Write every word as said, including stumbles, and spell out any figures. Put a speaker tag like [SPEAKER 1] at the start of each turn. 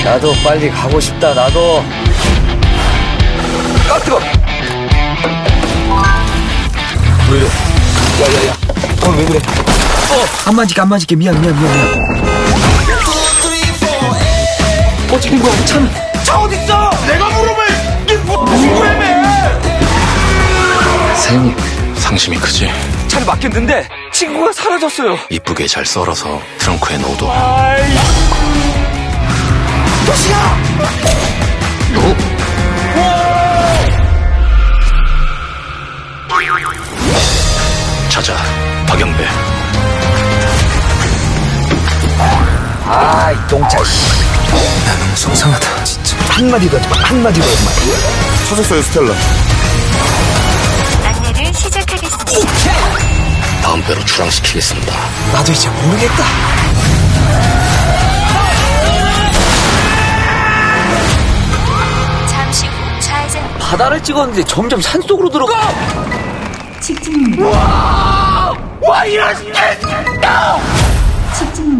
[SPEAKER 1] 나도 빨리 가고 싶다, 나도. 아, 뜨거! 왜 이래? 야, 야, 야. 오늘 왜 그래? 어! 안 맞을게, 안 맞을게. 미안, 미안, 미안, 미안. 어떻게 된 거야, 차는? 차 어딨어?
[SPEAKER 2] 내가 물어봐! 이게 뭐, 누구라며!
[SPEAKER 1] 사장님,
[SPEAKER 3] 상심이 크지?
[SPEAKER 1] 차를 맡겼는데 친구가 사라졌어요.
[SPEAKER 3] 이쁘게 잘 썰어서 트렁크에 넣어둬.
[SPEAKER 2] 아이,
[SPEAKER 1] 도시야!
[SPEAKER 3] 찾아, 박영배.
[SPEAKER 1] 아, 이 똥차, 씨.
[SPEAKER 3] 나 너무 속상하다, 진짜.
[SPEAKER 1] 한마디도 하지 마, 한마디도 하지 마.
[SPEAKER 2] 찾았어요, 스텔라.
[SPEAKER 4] 안내를 시작하겠습니다.
[SPEAKER 3] 다음 배로 출항시키겠습니다.
[SPEAKER 1] 나도 이제 모르겠다.
[SPEAKER 4] 잠시 후 좌회전
[SPEAKER 1] 바다를 찍었는데 점점 산속으로 들어가.
[SPEAKER 4] 직진입니다.
[SPEAKER 2] 와, 이런 개!
[SPEAKER 4] 직진입니다.